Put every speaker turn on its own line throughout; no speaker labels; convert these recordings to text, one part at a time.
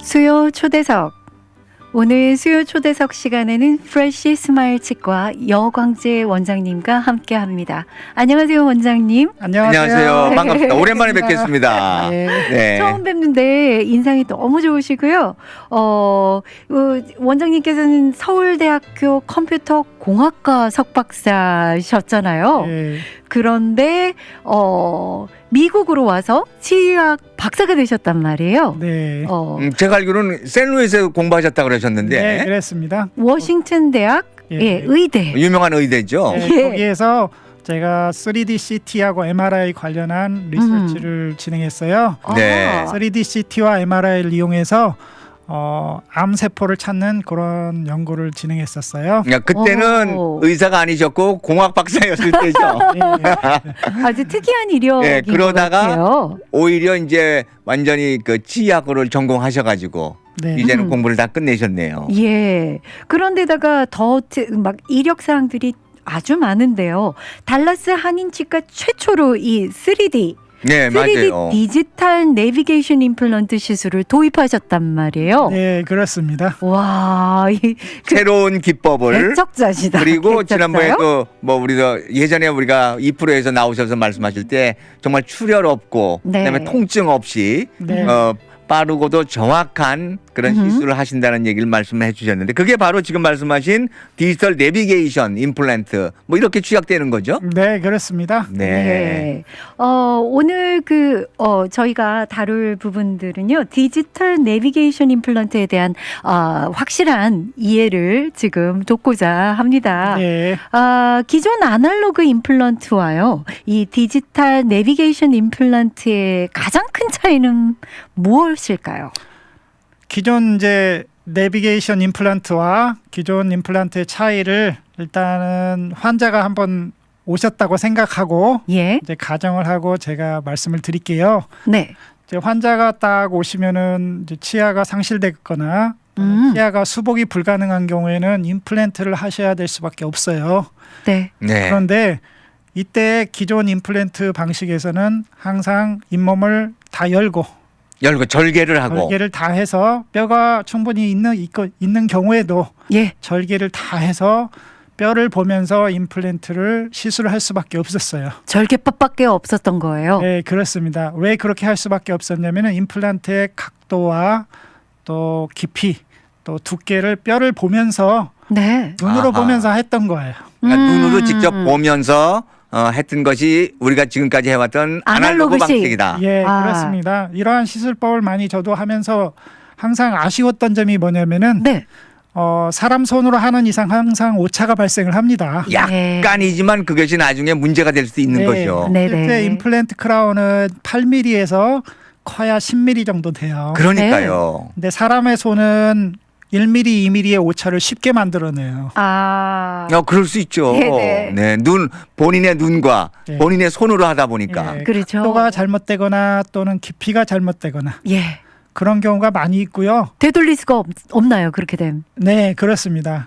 수요 초대석. 오늘 수요 초대석 시간에는 프레시 스마일 치과 여광재 원장님과 함께 합니다. 안녕하세요, 원장님.
안녕하세요. 반갑습니다. 오랜만에 뵙겠습니다.
네. 처음 뵙는데 인상이 너무 좋으시고요. 원장님께서는 서울대학교 컴퓨터 공학과 석박사셨잖아요.
네.
그런데 미국으로 와서 치의학 박사가 되셨단 말이에요.
네.
제가 알기로는 샌루이스에서 공부하셨다고 그러셨는데
네, 그랬습니다.
워싱턴 대학
예.
의대.
유명한 의대죠.
네,
예.
거기에서 제가 3D CT하고 MRI 관련한 리서치를 진행했어요.
네.
3D CT와 MRI를 이용해서 암세포를 찾는 그런 연구를 진행했었어요.
그러니까 그때는
오.
의사가 아니셨고 공학 박사였을 때죠.
네.
아주 특이한 이력인
네, 그러다가
것 같아요.
오히려 이제 완전히 그 치의학을 전공하셔가지고
네.
이제는 공부를 다 끝내셨네요.
예. 그런데다가 더 막 이력 사항들이 아주 많은데요. 달라스 한인치과 최초로 이 3D
네,
3D
맞아요.
디지털 내비게이션 임플란트 시술을 도입하셨단 말이에요.
네, 그렇습니다.
와,
새로운 기법을
개척자시다.
그리고
개척자요?
지난번에 또 뭐 우리도 예전에 우리가 2%에서 나오셔서 말씀하실 때 정말 출혈 없고
네.
그다음에 통증 없이
네.
빠르고도 정확한 그런 시술을 하신다는 얘기를 말씀해 주셨는데 그게 바로 지금 말씀하신 디지털 내비게이션 임플란트 뭐 이렇게 취약되는 거죠?
네, 그렇습니다.
네. 오늘 저희가 다룰 부분들은요, 디지털 내비게이션 임플란트에 대한 확실한 이해를 지금 돕고자 합니다.
네.
기존 아날로그 임플란트와요, 이 디지털 내비게이션 임플란트의 가장 큰 차이는 무엇일까요?
기존 이제 내비게이션 임플란트와 기존 임플란트의 차이를 일단은 환자가 한번 오셨다고 생각하고
예.
이제 가정을 하고 제가 말씀을 드릴게요.
네.
이제 환자가 딱 오시면은 이제 치아가 상실됐거나 치아가 수복이 불가능한 경우에는 임플란트를 하셔야 될 수밖에 없어요.
네.
네.
그런데 이때 기존 임플란트 방식에서는 항상 잇몸을 다 열고
절개를 하고
절개를 다 해서 뼈가 충분히 있는 경우에도
예.
절개를 다 해서 뼈를 보면서 임플란트를 시술을 할 수밖에 없었어요.
절개법밖에 없었던 거예요.
네, 그렇습니다. 왜 그렇게 할 수밖에 없었냐면은 임플란트의 각도와 또 깊이 또 두께를 뼈를 보면서
네.
눈으로
아하.
보면서 했던 거예요.
그러니까 눈으로 직접 보면서 했던 것이 우리가 지금까지 해왔던 아날로그
아날로그식.
방식이다.
예,
아.
그렇습니다. 이러한 시술법을 많이 저도 하면서 항상 아쉬웠던 점이 뭐냐면은
네.
사람 손으로 하는 이상 항상 오차가 발생을 합니다.
약간이지만 그것이 나중에 문제가 될 수 있는 거죠.
네.
실제 임플란트 크라운은 8mm에서 커야 10mm 정도 돼요.
그러니까요.
근데 사람의 손은 1mm, 2mm의 오차를 쉽게 만들어내요.
그럴 수 있죠.
네네.
네, 본인의 눈과
네.
본인의 손으로 하다 보니까.
예,
그렇죠.
각도가 잘못되거나 또는 깊이가 잘못되거나
예.
그런 경우가 많이 있고요.
되돌릴 수가 없나요? 그렇게 되면.
네, 그렇습니다.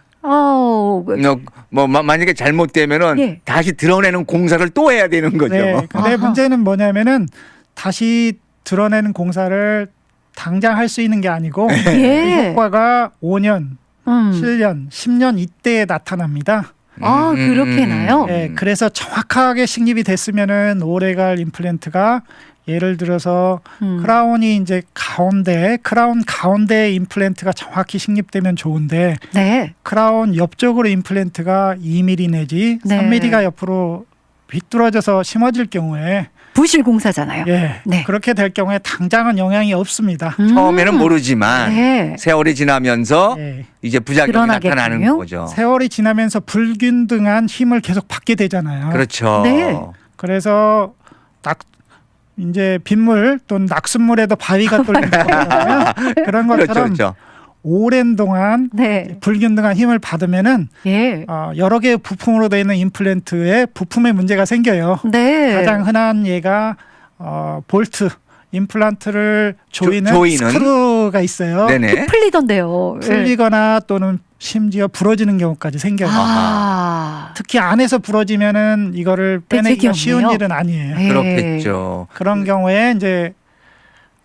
만약에 잘못되면은
예.
다시 드러내는 공사를 또 해야 되는 거죠.
네, 근데
아하.
문제는 뭐냐면은 다시 드러내는 공사를 당장 할 수 있는 게 아니고 그
예.
효과가 5년, 7년, 10년 이때에 나타납니다.
그렇게 나요?
네, 그래서 정확하게 식립이 됐으면은 오래갈 임플란트가 예를 들어서 크라운이 이제 크라운 가운데 임플란트가 정확히 식립되면 좋은데
네.
크라운 옆쪽으로 임플란트가 2mm 내지
네.
3mm가 옆으로 비뚤어져서 심어질 경우에
부실 공사잖아요.
예,
네.
그렇게 될 경우에 당장은 영향이 없습니다.
처음에는 모르지만
네.
세월이 지나면서
예,
이제 부작용이
드러나겠군요.
나타나는 거죠.
세월이 지나면서 불균등한 힘을 계속 받게 되잖아요.
그렇죠.
네.
그래서 이제 빗물 또는 낙숫물에도 바위가 뚫리는 거잖아요. 그런
그렇죠,
것처럼
그렇죠.
오랜 동안
네.
불균등한 힘을 받으면은
예.
여러 개의 부품으로 되어 있는 임플란트에 부품에 문제가 생겨요.
네.
가장 흔한 예가 볼트 임플란트를 조이는 스크루가 있어요.
네네.
풀리던데요.
풀리거나 또는 심지어 부러지는 경우까지 생겨요. 특히 안에서 부러지면은 이거를 빼내기가
되책이
쉬운
없네요.
일은 아니에요.
네.
그렇겠죠.
그런 경우에 이제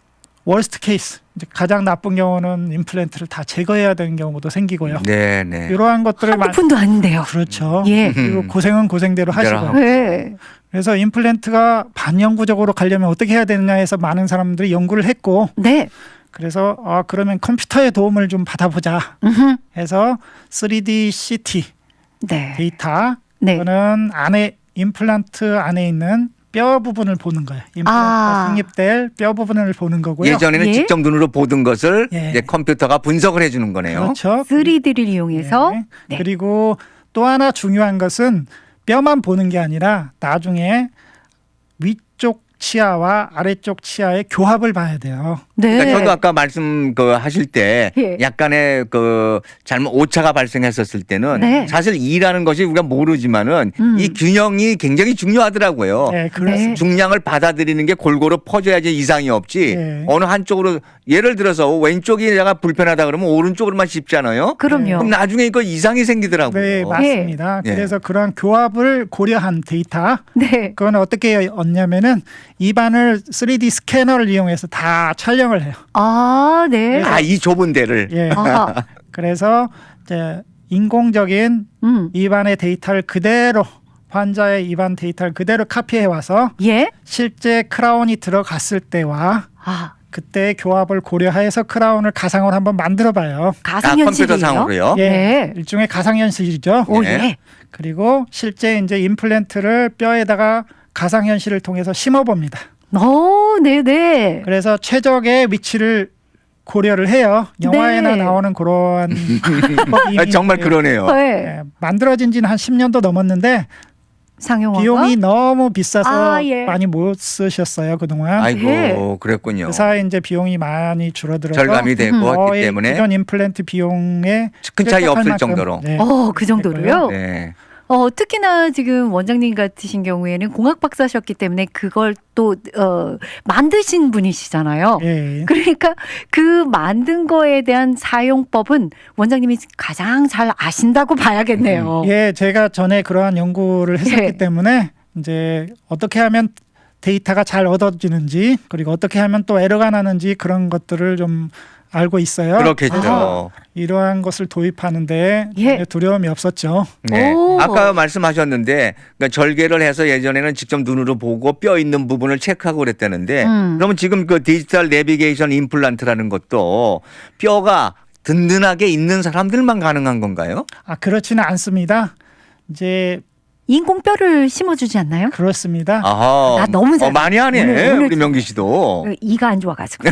월스트 케이스 이제 가장 나쁜 경우는 임플란트를 다 제거해야 되는 경우도 생기고요.
네, 네.
이러한 것들을
한두 푼도 아닌데요.
그렇죠.
예.
그리고 고생은 고생대로 하시고.
네.
그래서 임플란트가 반영구적으로 가려면 어떻게 해야 되느냐 해서 많은 사람들이 연구를 했고
네.
그래서 그러면 컴퓨터의 도움을 좀 받아보자
음흠.
해서 3D CT
네.
데이터
네.
그거는 안에 임플란트 안에 있는 뼈 부분을 보는 거예요. 임플란트가 성립될 뼈 부분을 보는 거고요.
예전에는
예.
직접 눈으로 보던 것을
예.
이제 컴퓨터가 분석을 해주는 거네요.
그렇죠.
3D를 이용해서
네.
네.
그리고 또 하나 중요한 것은 뼈만 보는 게 아니라 나중에 위쪽 치아와 아래쪽 치아의 교합을 봐야 돼요.
네.
그러니까 저도 아까 말씀 하실 때
예.
약간의 잘못 오차가 발생했었을 때는
네.
사실 이라는 것이 우리가 모르지만은 이
음.
균형이 굉장히 중요하더라고요.
네, 그렇습니다.
네.
중량을 받아들이는 게 골고루 퍼져야지 이상이 없지.
네.
어느 한쪽으로 예를 들어서 왼쪽이 내가 불편하다 그러면 오른쪽으로만 씹잖아요.
그럼요.
그럼 나중에 이거 이상이 생기더라고요.
네, 맞습니다.
예.
그래서 그러한 교합을 고려한 데이터
네.
그건 어떻게 얻냐면은 입안을 3D 스캐너를 이용해서 다 촬영을 해요.
아, 네.
아, 이 좁은 데를.
예.
아하.
그래서 이제 인공적인 입안의 데이터를 그대로 환자의 입안 데이터를 그대로 카피해 와서
예.
실제 크라운이 들어갔을 때와
아,
그때 교합을 고려해서 크라운을 가상으로 한번 만들어 봐요.
가상현실이에요.
컴퓨터상으로요.
예.
네.
일종의 가상현실이죠.
오,
네.
예.
그리고 실제 이제 임플란트를 뼈에다가 가상현실을 통해서 심어 봅니다.
오, 네, 네.
그래서 최적의 위치를 고려를 해요. 영화에나
네.
나오는 그러한 방법이
아, 정말 그러네요.
네.
예, 만들어진 지는 한 10년도 넘었는데
상용화가
비용이 너무 비싸서
아, 예.
많이 못 쓰셨어요 그동안.
아이고,
네.
그랬군요.
그래서 이제 비용이 많이 줄어들어서
절감이 되고 했기
거의
때문에
기존 임플란트 비용에
큰 차이
쾌적할
없을
만큼,
정도로.
네.
그 정도로요?
네.
특히나 지금 원장님 같으신 경우에는 공학 박사셨기 때문에 그걸 또 만드신 분이시잖아요.
예.
그러니까 그 만든 거에 대한 사용법은 원장님이 가장 잘 아신다고 봐야겠네요.
예, 제가 전에 그러한 연구를 했었기
예.
때문에 이제 어떻게 하면 데이터가 잘 얻어지는지 그리고 어떻게 하면 또 에러가 나는지 그런 것들을 좀 알고 있어요.
그렇겠죠.
아하.
이러한 것을 도입하는데
예.
두려움이 없었죠.
네.
오.
아까 말씀하셨는데 그러니까 절개를 해서 예전에는 직접 눈으로 보고 뼈 있는 부분을 체크하고 그랬다는데 그러면 지금 그 디지털 내비게이션 임플란트라는 것도 뼈가 든든하게 있는 사람들만 가능한 건가요?
그렇지는 않습니다. 이제
인공뼈를 심어주지 않나요?
그렇습니다.
아하.
나 너무 잘해.
많이 하네.
오늘
우리 명기 씨도.
이가 안 좋아가지고.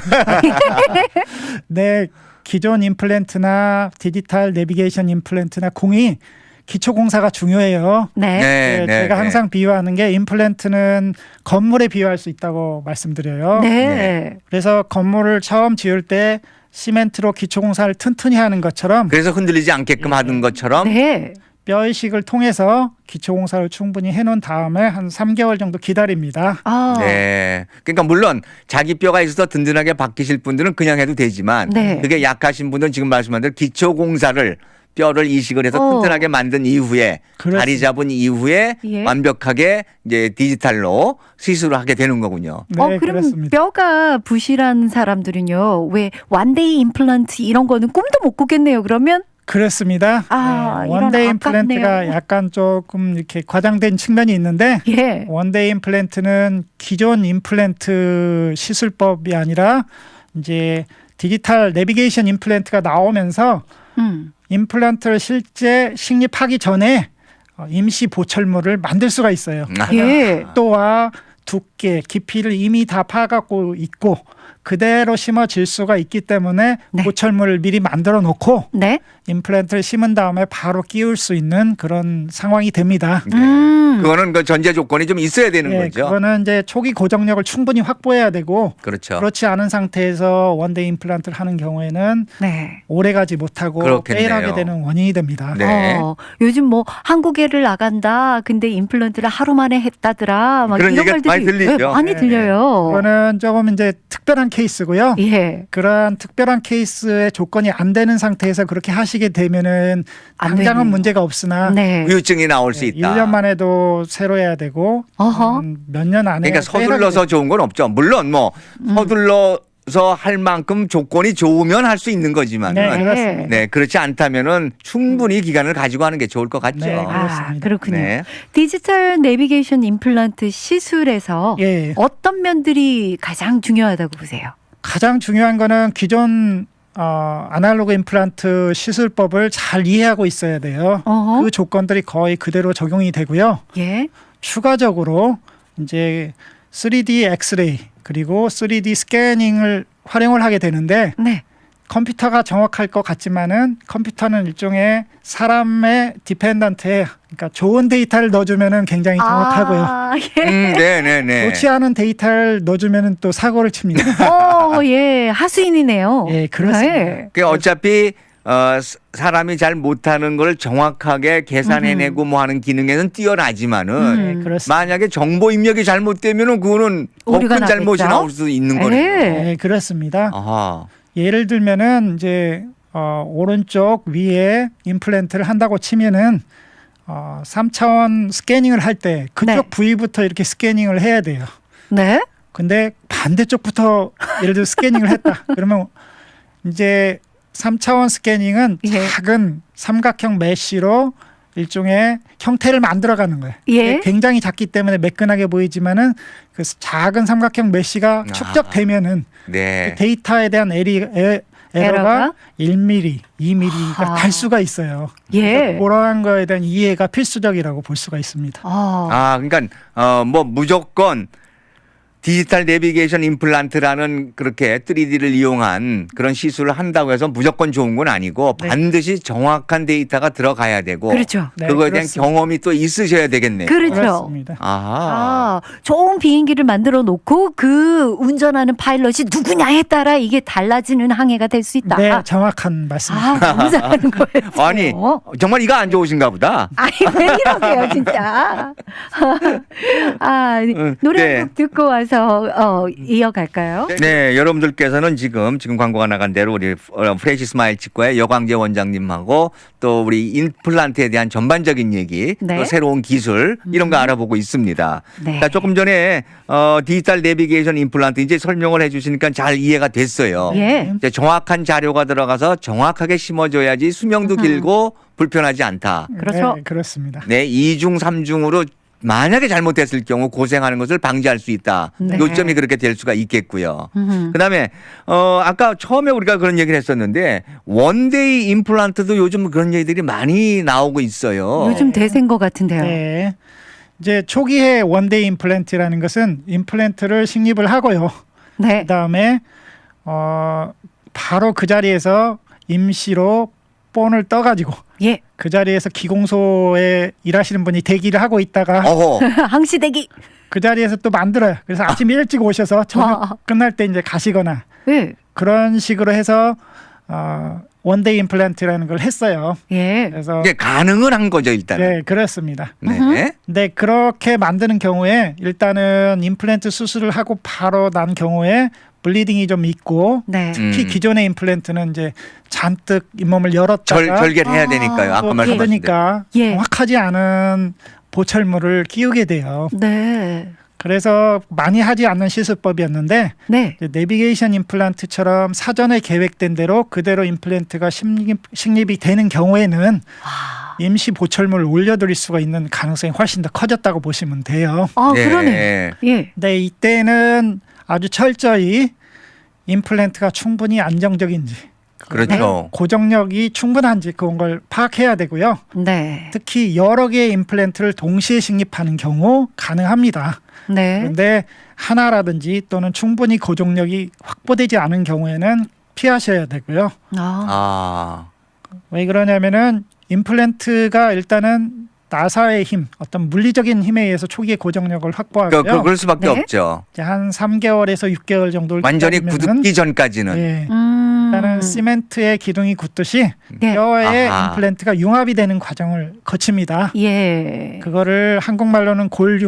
네, 기존 임플란트나 디지털 내비게이션 임플란트나 공이 기초 공사가 중요해요.
네.
네, 제가 항상 비유하는 게 임플란트는 건물에 비유할 수 있다고 말씀드려요.
네.
그래서 건물을 처음 지을 때 시멘트로 기초 공사를 튼튼히 하는 것처럼
그래서 흔들리지 않게끔 하는 것처럼
네.
뼈이식을 통해서 기초 공사를 충분히 해놓은 다음에 한 3개월 정도 기다립니다.
네. 그러니까 물론 자기 뼈가 있어서 든든하게 박히실 분들은 그냥 해도 되지만
네.
그게 약하신 분들은 지금 말씀한 대로 기초 공사를 뼈를 이식을 해서 튼튼하게 만든 이후에
그렇습니다.
자리 잡은 이후에
예.
완벽하게 이제 디지털로 시술을 하게 되는 거군요.
네,
그럼
그렇습니다.
뼈가 부실한 사람들은요, 왜 원데이 임플란트 이런 거는 꿈도 못 꾸겠네요. 그러면
그렇습니다.
이런
원데이
아깝네요.
임플란트가 약간 조금 이렇게 과장된 측면이 있는데
예,
원데이 임플란트는 기존 임플란트 시술법이 아니라 이제 디지털 내비게이션 임플란트가 나오면서 임플란트를 실제 식립하기 전에 임시 보철물을 만들 수가 있어요.
예,
또와 두께, 깊이를 이미 다 파갖고 있고 그대로 심어질 수가 있기 때문에
네.
보철물을 미리 만들어 놓고
네,
임플란트를 심은 다음에 바로 끼울 수 있는 그런 상황이 됩니다.
그거는 그 전제 조건이 좀 있어야 되는
예,
거죠.
그거는 이제 초기 고정력을 충분히 확보해야 되고
그렇죠.
그렇지 않은 상태에서 원데이 임플란트를 하는 경우에는
네.
오래가지 못하고
그렇겠네요.
페일하게 되는 원인이 됩니다.
네.
요즘 뭐 한국애를 나간다. 근데 임플란트를 하루 만에 했다더라. 막
그런
이런
얘기가
말들이
많이 들리죠.
네, 많이
네.
들려요.
그거는 조금 이제 특별한 케이스고요.
예,
그러한 특별한 케이스의 조건이 안 되는 상태에서 그렇게 하시게 되면은
안
당장은
되네요.
문제가 없으나
네.
후유증이 나올 수 있다.
1년만 해도 새로 해야 되고
어허.
몇 년 안에
그러니까 서둘러서 좋은 건 없죠. 물론 뭐 서둘러 할 만큼 조건이 좋으면 할 수 있는 거지만
네, 그렇습니다.
네, 그렇지 않다면은 충분히 기간을 가지고 하는 게 좋을 것 같죠.
네,
아,
그렇습니다.
그렇군요.
네.
디지털 내비게이션 임플란트 시술에서
예.
어떤 면들이 가장 중요하다고 보세요?
가장 중요한 거는 기존 아날로그 임플란트 시술법을 잘 이해하고 있어야 돼요.
어허.
그 조건들이 거의 그대로 적용이 되고요.
예.
추가적으로 이제 3D 엑스레이 그리고 3D 스캐닝을 활용을 하게 되는데
네.
컴퓨터가 정확할 것 같지만은 컴퓨터는 일종의 사람의 디펜던트에 그러니까 좋은 데이터를 넣어주면은 굉장히 정확하고요.
아, 예.
네네네.
좋지 않은 데이터를 넣어주면은 또 사고를 칩니다.
예. 하수인이네요.
예, 그렇습니다.
네.
그 어차피 사람이 잘 못하는 걸 정확하게 계산해내고 뭐 하는 기능에는 뛰어나지만은
네, 그렇습니다.
만약에 정보 입력이 잘못되면은 그거는 더
오류가
큰 잘못이
나겠죠?
나올 수 있는
예.
거예요.
네, 그렇습니다.
아하.
예를 들면은 이제 오른쪽 위에 임플란트를 한다고 치면은 3차원 스캐닝을 할 때 그쪽
네.
부위부터 이렇게 스캐닝을 해야 돼요.
네.
근데 반대쪽부터 예를 들어 스캐닝을 했다. 그러면 이제 3차원 스캐닝은
예.
작은 삼각형 메쉬로 일종의 형태를 만들어가는 거예요.
예.
굉장히 작기 때문에 매끈하게 보이지만은 그 작은 삼각형 메쉬가 축적되면은
네.
데이터에 대한 에러가 1mm, 2mm가
아하.
달 수가 있어요.
예.
그러한 거에 대한 이해가 필수적이라고 볼 수가 있습니다.
그러니까 뭐 무조건 디지털 내비게이션 임플란트라는 그렇게 3D를 이용한 그런 시술을 한다고 해서 무조건 좋은 건 아니고
네.
반드시 정확한 데이터가 들어가야 되고
그렇죠.
네,
그거에 대한
그렇습니다.
경험이 또 있으셔야 되겠네요.
그렇죠.
그렇습니다.
아하.
좋은 비행기를 만들어 놓고 그 운전하는 파일럿이 누구냐에 따라 이게 달라지는 항해가 될 수 있다.
네, 정확한 말씀입니다.
너무 잘하는 거예요.
아니 정말 이거 안 좋으신가 보다.
아니 왜 이러세요 진짜. 노래
네.
한 곡 듣고 와서 이어갈까요?
네, 여러분들께서는 지금 광고가 나간 대로 우리 프레시 스마일 치과의 여광재 원장님하고 또 우리 임플란트에 대한 전반적인 얘기,
네.
또 새로운 기술 이런 거 알아보고 있습니다.
네.
그러니까 조금 전에 디지털 내비게이션 임플란트 이제 설명을 해주시니까 잘 이해가 됐어요.
예.
이제 정확한 자료가 들어가서 정확하게 심어줘야지 수명도 길고 불편하지 않다.
그렇죠.
네, 그렇습니다.
네, 2중, 3중으로 만약에 잘못됐을 경우 고생하는 것을 방지할 수 있다.
네.
요점이 그렇게 될 수가 있겠고요.
음흠.
그다음에 아까 처음에 우리가 그런 얘기를 했었는데 원데이 임플란트도 요즘 그런 얘기들이 많이 나오고 있어요.
요즘 대세인 것 같은데요.
네. 이제 초기에 원데이 임플란트라는 것은 임플란트를 식립을 하고요.
네.
그다음에 바로 그 자리에서 임시로 본을 떠가지고
예.
그 자리에서 기공소에 일하시는 분이 대기를 하고 있다가
어허.
항시대기.
그 자리에서 또 만들어요. 그래서 아침 일찍 오셔서 저녁 끝날 때 이제 가시거나
예.
그런 식으로 해서 원데이 임플란트라는 걸 했어요.
예.
그래서
이게 가능은 한 거죠 일단은.
네, 그렇습니다.
네.
근데 그렇게 만드는 경우에 일단은 임플란트 수술을 하고 바로 난 경우에 블리딩이 좀 있고
네.
특히 기존의 임플란트는 이제 잔뜩 잇몸을 열었다가
절개를 해야 되니까요. 아까
또
말씀하신 대로.
닫으니까
예.
정확하지 않은 보철물을 끼우게 돼요.
네.
그래서 많이 하지 않는 시술법이었는데
네.
이제 내비게이션 임플란트처럼 사전에 계획된 대로 그대로 임플란트가 식립이 되는 경우에는 임시 보철물을 올려드릴 수가 있는 가능성이 훨씬 더 커졌다고 보시면 돼요.
네.
그러네. 예.
근데 이때는 아주 철저히 임플란트가 충분히 안정적인지
그렇죠.
고정력이 충분한지 그런 걸 파악해야 되고요.
네.
특히 여러 개의 임플란트를 동시에 식립하는 경우 가능합니다.
네.
그런데 하나라든지 또는 충분히 고정력이 확보되지 않은 경우에는 피하셔야 되고요.
아.
왜 그러냐면은 임플란트가 일단은 나사의 힘, 어떤 물리적인 힘에 의해서 초기에 고정력을 확보하고요.
그럴 수밖에
네.
없죠.
이제 한 3개월에서 6개월 정도를
완전히
기다리면은
굳기 전까지는.
예, 일단은 시멘트의 기둥이 굳듯이
네.
뼈에
아하.
임플란트가 융합이 되는 과정을 거칩니다.
예.
그거를 한국말로는 골융합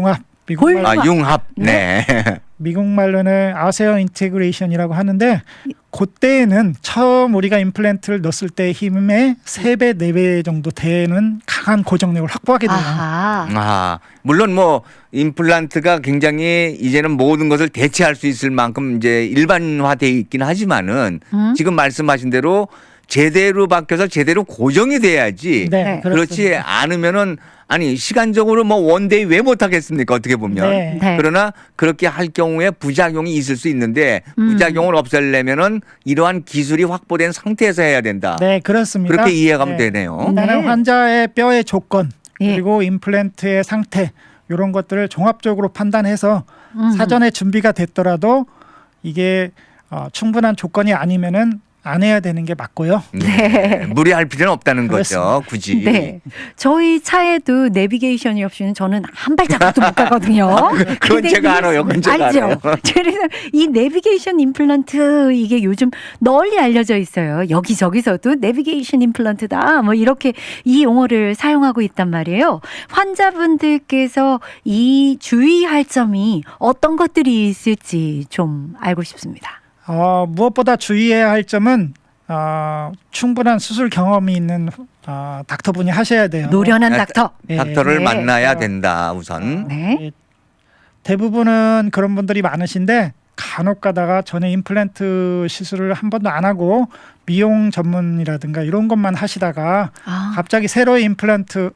미국
골-
말,
융합. 네.
미국 말로는 아세어 인테그레이션이라고 하는데 그때에는 처음 우리가 임플란트를 넣었을 때 힘의 3배, 4배 정도 되는 강한 고정력을 확보하게 돼요.
아하.
물론 뭐 임플란트가 굉장히 이제는 모든 것을 대체할 수 있을 만큼 이제 일반화돼 있긴 하지만은 지금 말씀하신 대로 제대로 바뀌어서 제대로 고정이 돼야지.
네.
그렇지
그렇습니다.
않으면은 아니 시간적으로 뭐 원데이 왜 못하겠습니까? 어떻게 보면.
네.
네.
그러나 그렇게 할 경우에 부작용이 있을 수 있는데 부작용을 없애려면은 이러한 기술이 확보된 상태에서 해야 된다.
네, 그렇습니다.
그렇게 이해가면
네.
되네요.
일단은
네.
환자의 뼈의 조건
예.
그리고 임플란트의 상태 이런 것들을 종합적으로 판단해서 사전에 준비가 됐더라도 이게 충분한 조건이 아니면은 안 해야 되는 게 맞고요.
네. 무리할 필요는 없다는 거죠.
그렇습니다.
굳이.
네. 저희 차에도 내비게이션이 없이는 저는 한 발자국도 못 가거든요.
그건
근데
제가
이-
알아요. 그건 제가
알죠.
알아요.
그래서 이 내비게이션 임플란트 이게 요즘 널리 알려져 있어요. 여기저기서도 내비게이션 임플란트다. 뭐 이렇게 이 용어를 사용하고 있단 말이에요. 환자분들께서 이 주의할 점이 어떤 것들이 있을지 좀 알고 싶습니다.
무엇보다 주의해야 할 점은 충분한 수술 경험이 있는 닥터분이 하셔야 돼요.
노련한
아,
닥터.
닥터를
네.
만나야 된다 우선.
네.
대부분은 그런 분들이 많으신데 간혹 가다가 전에 임플란트 시술을 한 번도 안 하고 미용 전문이라든가 이런 것만 하시다가
아.
갑자기 새로이 임플란트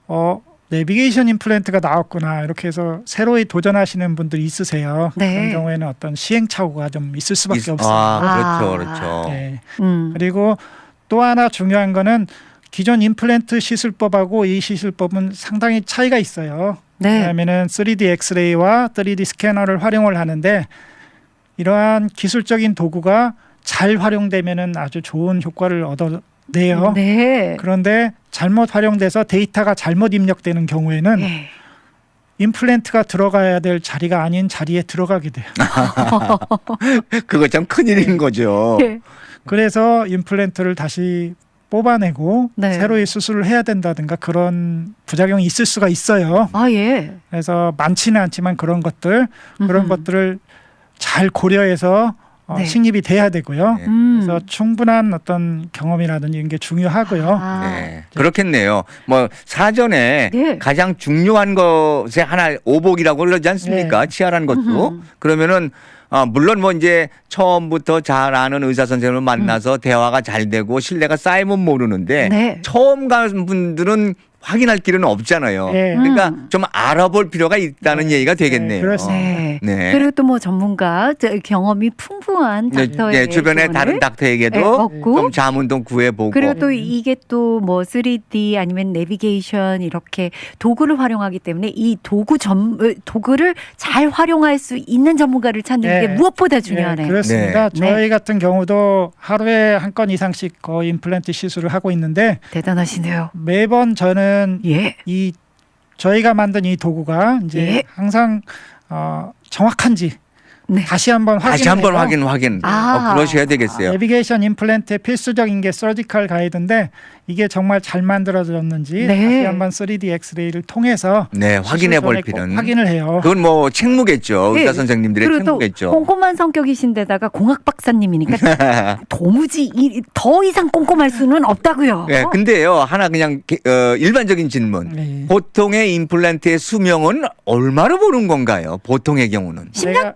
내비게이션 임플란트가 나왔구나 이렇게 해서 새로이 도전하시는 분들이 있으세요.
네.
그런 경우에는 어떤 시행착오가 좀 있을 수밖에 없어요.
그렇죠,
아.
그렇죠.
네.
음.
그리고 또 하나 중요한 거는 기존 임플란트 시술법하고 이 시술법은 상당히 차이가 있어요.
네.
왜냐하면은 3D 엑스레이와 3D 스캐너를 활용을 하는데 이러한 기술적인 도구가 잘 활용되면은 아주 좋은 효과를 얻어내요.
네.
그런데 잘못 활용돼서 데이터가 잘못 입력되는 경우에는
네.
임플란트가 들어가야 될 자리가 아닌 자리에 들어가게 돼요.
그거 참 큰일인 거죠.
네.
그래서 임플란트를 다시 뽑아내고
네.
새로이 수술을 해야 된다든가 그런 부작용이 있을 수가 있어요.
아 예.
그래서 많지는 않지만 그런 것들을 잘 고려해서
네.
식립이 돼야 되고요.
네.
그래서 충분한 어떤 경험이라든지 이런 게 중요하고요.
아.
네. 그렇겠네요. 뭐 사전에
네.
가장 중요한 것에 하나 오복이라고 그러지 않습니까? 치아라는 것도.
음흠.
그러면은 물론 뭐 이제 처음부터 잘 아는 의사 선생님을 만나서 대화가 잘 되고 신뢰가 쌓이면 모르는데
네.
처음 간 분들은 확인할 길은 없잖아요.
네.
그러니까 좀 알아볼 필요가 있다는 얘기가 되겠네요.
그렇습니다.
네.
네.
그리고 또 뭐 전문가 경험이 풍부한
네,
닥터의
네, 주변에
조언을
다른
네,
닥터에게도
얻고
좀 자문도 구해보고.
그리고 또 이게 또 뭐 3D 아니면 내비게이션 이렇게 도구를 활용하기 때문에 이 도구를 잘 활용할 수 있는 전문가를 찾는
네.
게 무엇보다
네,
중요하네요.
그렇습니다.
네.
저희 같은 경우도 하루에 한 건 이상씩 거의 임플란트 시술을 하고 있는데
대단하시네요.
매번 저는
예.
이 저희가 만든 이 도구가 이제
예.
항상 정확한지
네.
다시 한번
다시 한번
확인해서
확인.
아.
그러셔야 되겠어요.
내비게이션 임플란트의 필수적인 게 서지컬 가이드인데 이게 정말 잘 만들어졌는지
네.
다시 한번 3D 엑스레이를 통해서
네, 확인해 볼
시술 전에 꼭
필요는.
확인을 해요.
그건 뭐 책무겠죠.
네.
의사 선생님들의
그리고 또
책무겠죠.
꼼꼼한 성격이신데다가 공학 박사님이니까 도무지 더 이상 꼼꼼할 수는 없다고요.
네, 근데요 하나 그냥 일반적인 질문.
네.
보통의 임플란트의 수명은 얼마로 보는 건가요? 보통의 경우는.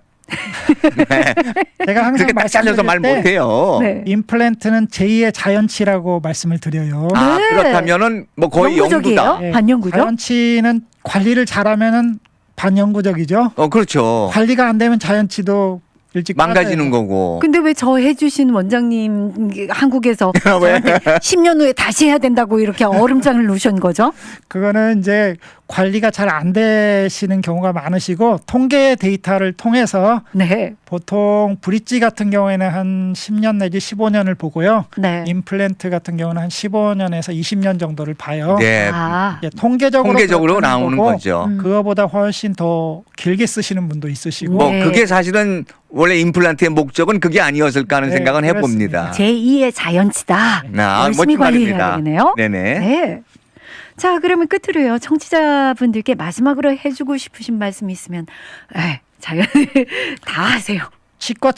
제가 항상
그렇게 딱 잘려서 말
말씀드릴 때
못해요.
네.
임플란트는 제2의 자연치라고 말씀을 드려요.
아,
네.
그렇다면은 뭐 거의
영구적이에요?
영구다.
네.
반영구죠?
자연치는 관리를 잘하면은 반영구적이죠.
그렇죠.
관리가 안 되면 자연치도 일찍
망가지는
빠져요.
거고.
근데 왜 저 해주신 원장님 한국에서
왜?
저한테 10년 후에 다시 해야 된다고 이렇게 얼음장을 놓으신 거죠?
그거는 이제 관리가 잘 안 되시는 경우가 많으시고 통계 데이터를 통해서
네.
보통 브릿지 같은 경우에는 한 10년 내지 15년을 보고요.
네.
임플란트 같은 경우는 한 15년에서 20년 정도를 봐요.
네.
아.
예, 통계적으로
통계적으로
그렇다는
나오는
거고
거죠.
그거보다 훨씬 더 길게 쓰시는 분도 있으시고
뭐
네.
그게 사실은 원래 임플란트의 목적은 그게 아니었을까 하는
네,
생각은 해봅니다.
그렇습니다.
제2의 자연치다.
아,
열심히
멋진
관리해야
말입니다.
되겠네요.
네네.
네. 자, 그러면 끝으로요. 청취자분들께 마지막으로 해주고 싶으신 말씀이 있으면 자연 다 하세요.
치과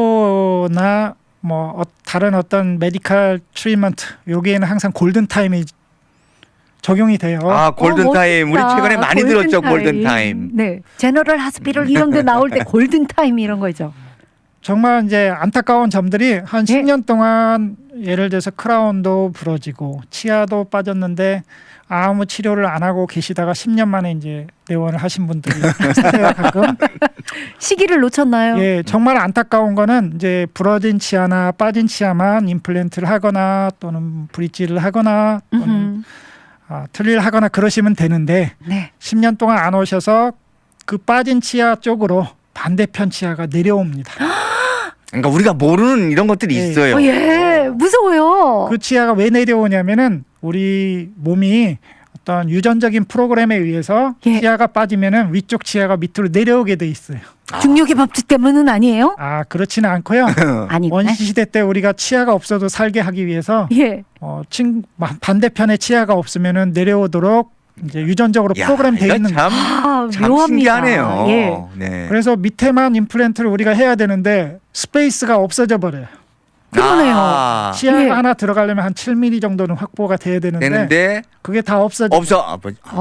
치료나 뭐 다른 어떤 메디컬 트리트먼트 여기에는 항상 골든 타임이 적용이 돼요.
아, 골든타임. 우리 최근에 많이 들었죠, 골든타임.
네. 제너럴 하스피럴 이런 데 나올 때 골든타임 이런 거죠.
정말 이제 안타까운 점들이 한
예.
10년 동안 예를 들어서 크라운도 부러지고 치아도 빠졌는데 아무 치료를 안 하고 계시다가 10년 만에 이제 내원을 하신 분들이 있어요, 가끔.
시기를 놓쳤나요?
예, 정말 안타까운 거는 이제 부러진 치아나 빠진 치아만 임플란트를 하거나 또는 브릿지를 하거나 또는 틀리를 하거나 그러시면 되는데
네.
10년 동안 안 오셔서 그 빠진 치아 쪽으로 반대편 치아가 내려옵니다.
그러니까 우리가 모르는 이런 것들이
예.
있어요.
예, 무서워요.
그 치아가 왜 내려오냐면은 우리 몸이 어떤 유전적인 프로그램에 의해서
예.
치아가 빠지면은 위쪽 치아가 밑으로 내려오게 돼 있어요.
중력의 법칙 때문은 아니에요?
아, 그렇지는 않고요.
아니구나.
원시 시대 때 우리가 치아가 없어도 살게 하기 위해서
예.
반대편에 치아가 없으면은 내려오도록 이제 유전적으로
야,
프로그램 되어
이거
있는 거예요.
참
묘합니다.
신기하네요.
예.
네.
그래서 밑에만 임플란트를 우리가 해야 되는데 스페이스가 없어져 버려요.
그러네요.
아,
치아가
예.
하나 들어가려면 한 7mm 정도는 확보가 돼야 되는데
되는데
그게 다 없어져.
없어.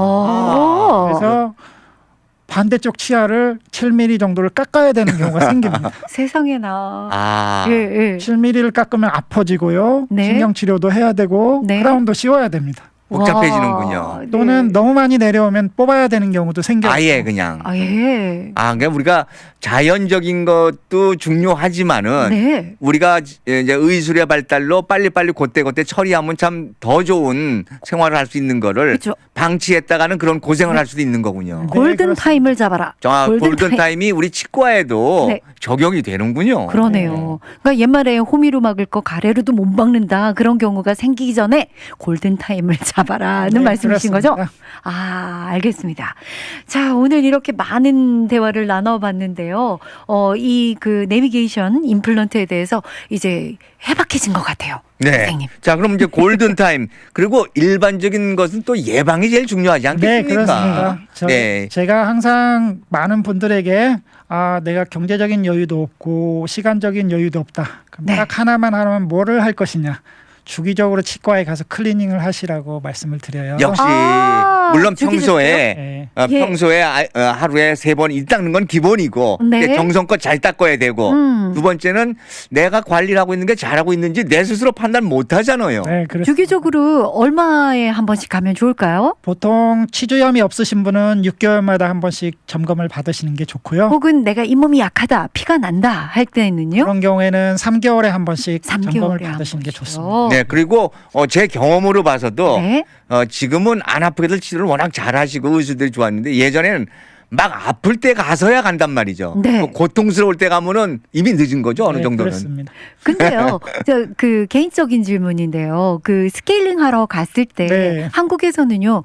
그래서 반대쪽 치아를 7mm 정도를 깎아야 되는 경우가 생깁니다.
세상에나.
아,
예, 예.
7mm를 깎으면 아파지고요.
네.
신경 치료도 해야 되고
네.
크라운도 씌워야 됩니다.
복잡해지는군요.
와, 네.
또는 너무 많이 내려오면 뽑아야 되는 경우도 생겨요.
아예 그냥.
아, 예.
그러니까 우리가 자연적인 것도 중요하지만은
네.
우리가 이제 의술의 발달로 빨리빨리 그때 처리하면 참 더 좋은 생활을 할 수 있는 거를
그렇죠.
방치했다가는 그런 고생을 할 수도 있는 거군요.
골든
그렇습니다.
타임을 잡아라.
골든 타임이 우리 치과에도
네.
적용이 되는군요.
그러네요. 그러니까 옛말에 호미로 막을 거 가래로도 못 막는다. 그런 경우가 생기기 전에 골든 타임을 잡아라는
네,
말씀이신 거죠?
그렇습니다.
아, 알겠습니다. 자, 오늘 이렇게 많은 대화를 나눠봤는데요. 이 그 내비게이션 임플란트에 대해서 이제 해박해진 것 같아요.
네.
선생님.
자, 그럼 이제 골든 타임 그리고 일반적인 것은 또 예방이 제일 중요하지
네,
않겠습니까?
그렇습니다.
네.
제가 항상 많은 분들에게 내가 경제적인 여유도 없고 시간적인 여유도 없다. 그럼
네.
딱 하나만 하면 뭐를 할 것이냐. 주기적으로 치과에 가서 클리닝을 하시라고 말씀을 드려요.
역시 물론
주기적으로요?
평소에
네.
예.
평소에 하루에 3번 이 닦는 건 기본이고
네.
정성껏 잘 닦아야 되고 두 번째는 내가 관리를 하고 있는 게 잘하고 있는지 내 스스로 판단 못 하잖아요.
네, 그렇습니다.
주기적으로 얼마에 한 번씩 가면 좋을까요?
보통 치주염이 없으신 분은 6개월마다 한 번씩 점검을 받으시는 게 좋고요.
혹은 내가 잇몸이 약하다, 피가 난다 할 때는요?
그런 경우에는 3개월에 한 번씩
3개월에
점검을
한
받으시는 게
번씩요.
좋습니다.
네, 그리고 제 경험으로 봐서도
네.
지금은 안 아프게들 치료를 워낙 잘하시고 의사들이 좋았는데 예전에는 막 아플 때 가서야 간단 말이죠.
네.
고통스러울 때 가면은 이미 늦은 거죠, 어느
네,
정도는.
그렇습니다.
근데요, 그 개인적인 질문인데요. 그 스케일링 하러 갔을 때
네.
한국에서는요,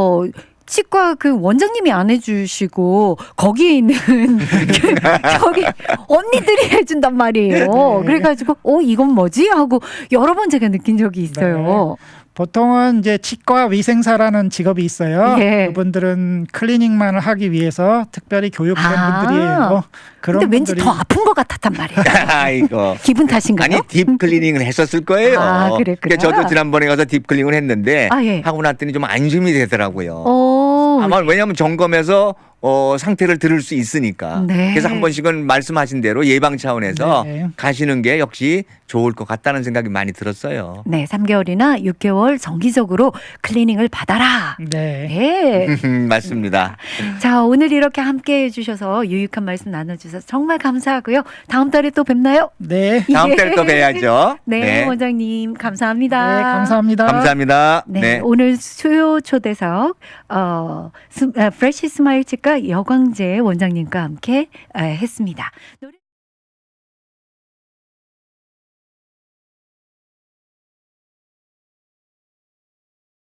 치과 그 원장님이 안 해주시고 거기에 있는 저기 언니들이 해준단 말이에요.
네.
그래가지고 이건 뭐지 하고 여러 번 제가 느낀 적이 있어요.
보통은 이제 치과 위생사라는 직업이 있어요.
예.
그분들은 클리닝만을 하기 위해서 특별히 교육된
아.
분들이에요. 그런
근데 왠지
분들이
더 아픈 것 같았단 말이에요.
아이고.
기분 탓인가요?
아니 딥 클리닝을 했었을 거예요.
아, 그랬구나.
그러니까 저도 지난번에 가서 딥 클리닝을 했는데
아, 예.
하고 났더니 좀 안심이 되더라고요.
오,
아마 왜냐하면 점검해서 상태를 들을 수 있으니까.
네.
그래서 한 번씩은 말씀하신 대로 예방 차원에서
네.
가시는 게 역시 좋을 것 같다는 생각이 많이 들었어요.
네, 3개월이나 6개월 정기적으로 클리닝을 받아라.
네.
네.
맞습니다.
자, 오늘 이렇게 함께 해주셔서 유익한 말씀 나눠주셔서 정말 감사하고요. 다음 달에 또 뵙나요?
네.
다음
예.
달에 또 뵈야죠.
네, 원장님 감사합니다.
네, 감사합니다.
감사합니다.
네, 오늘 수요 초대석 프레시 스마일 치과 여광재 원장님과 함께 했습니다.